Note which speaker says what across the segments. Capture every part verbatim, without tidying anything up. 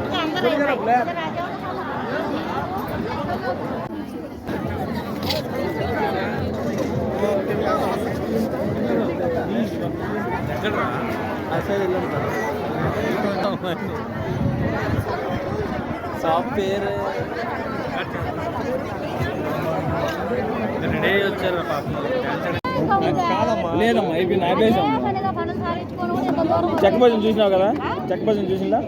Speaker 1: Shop పేరు ready వచ్చారు లేదమ్మా అయిపోయింది ఆపేసాం. చెక్ బజన్ చూసినావు కదా, చెక్ బజన్ చూసిందా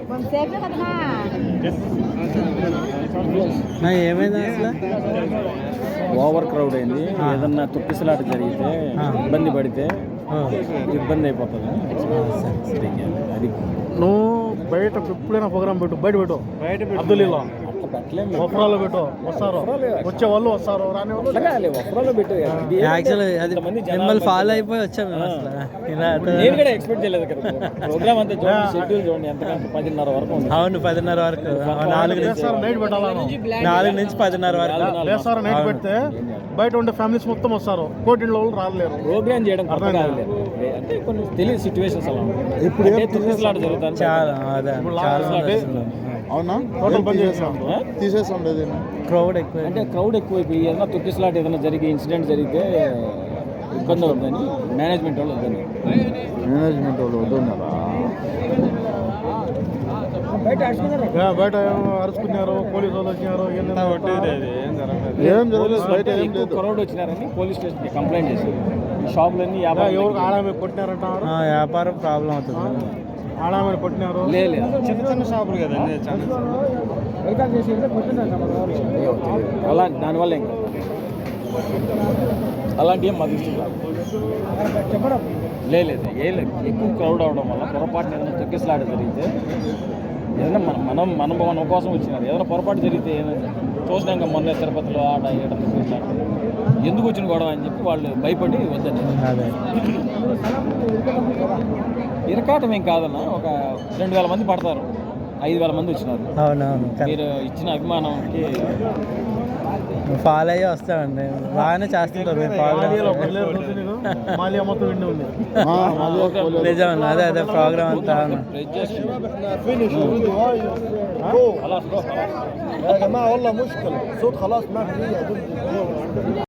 Speaker 1: ఏమైంది అసలు? ఓవర్ క్రౌడ్ అయింది. ఏదన్నా తొక్కిసలాట జరిగితే ఇబ్బంది పడితే ఇబ్బంది అయిపోతుంది. అది
Speaker 2: నువ్వు బయట ఎప్పుడైనా ప్రోగ్రామ్ పెట్టు, బయట పెట్టు, అబ్దుల్లీలో వఫ్రాలో పెట్టు, వస్తారు వచ్చే వాళ్ళు వస్తారు, రాని వాళ్ళు
Speaker 1: వఫ్రాలో పెట్టు.
Speaker 3: మిమ్మల్ని ఫాలో అయిపోయి వచ్చాము.
Speaker 1: నేను కూడా ఎక్స్పెక్ట్ చేయలేదు కదా. ప్రోగ్రామ్ అంతా చూడండి, షెడ్యూల్ చూడండి ఎంతకంటే పదిన్నర వరకు.
Speaker 3: అవును, పదిన్నర వరకు, నాలుగు నుంచి
Speaker 2: నైట్ పెట్టాలి,
Speaker 3: నాలుగు నుంచి పదిన్నర వరకు
Speaker 2: లేస్తారు. నైట్ పెడితే బయట ఉండే ఫ్యామిలీస్ మొత్తం వస్తారు, కోటింట్లో వాళ్ళు రాలేరు.
Speaker 1: ప్రోగ్రామ్ చేయడం అర్థం కాలేదు అంటే కొన్ని తెలియదు సిచ్యువేషన్స్ అలా ఇప్పుడు తొక్కిసలాట జరుగుతుంది చాలా.
Speaker 2: అవునా, టోటల్ బంద్ చేసాం, తీసేసాం.
Speaker 3: క్రౌడ్ ఎక్కువ
Speaker 1: అంటే క్రౌడ్ ఎక్కువైపోయి ఏదైనా తొక్కిసలాట ఏదైనా జరిగి ఇన్సిడెంట్ జరిగితే ఇబ్బంది అవుతుందని మేనేజ్మెంట్ వాళ్ళు వద్దని
Speaker 2: మేనేజ్మెంట్ వాళ్ళు వద్దన్నారా? బయట అరుచుకున్నారు, పోలీసు వాళ్ళు వచ్చినారు, ఏం జరగలేదు. బయట ఏం లేదు,
Speaker 1: క్రౌడ్ వచ్చినారని పోలీస్ స్టేషన్కి కంప్లైంట్ చేశారు. షాపులన్నీ
Speaker 2: ఎవరు ఆడామే కొట్టినారంటారు,
Speaker 3: వ్యాపారం ప్రాబ్లం అవుతుంది.
Speaker 2: ఆడామని కొట్టినారు,
Speaker 1: లేదు
Speaker 2: చిన్న చిన్న షాపులు కదండి.
Speaker 1: అలా దానివల్ల ఇంకా అలాంటి ఏం మాకు ఇష్టం కాదు. లేదు ఏం లేదు, ఎక్కువ క్రౌడ్ అవడం వల్ల పొరపాటున ఏదైనా తొక్కిసలాట జరిగితే ఏదైనా మనం మనం మనం మన కోసం వచ్చినారు. ఏదైనా పొరపాటు జరిగితే ఏదైనా చూసినాక మొన్న తిరుపతిలో ఆడ ఏడ తొక్కిసలాట ఎందుకు వచ్చిన గొడవ అని చెప్పి వాళ్ళు భయపడి వద్దని. ఇరకాటం ఏం కాదన్న, ఒక రెండు వేల మంది పడతారు, ఐదు వేల మంది వచ్చినారు.
Speaker 3: అవునవును,
Speaker 1: మీరు ఇచ్చిన అభిమానంకి
Speaker 3: ఫాలో అయ్యి వస్తామండి. బాగానే చేస్తుంటారు నిజం. అదే అదే ప్రోగ్రామ్ అంతా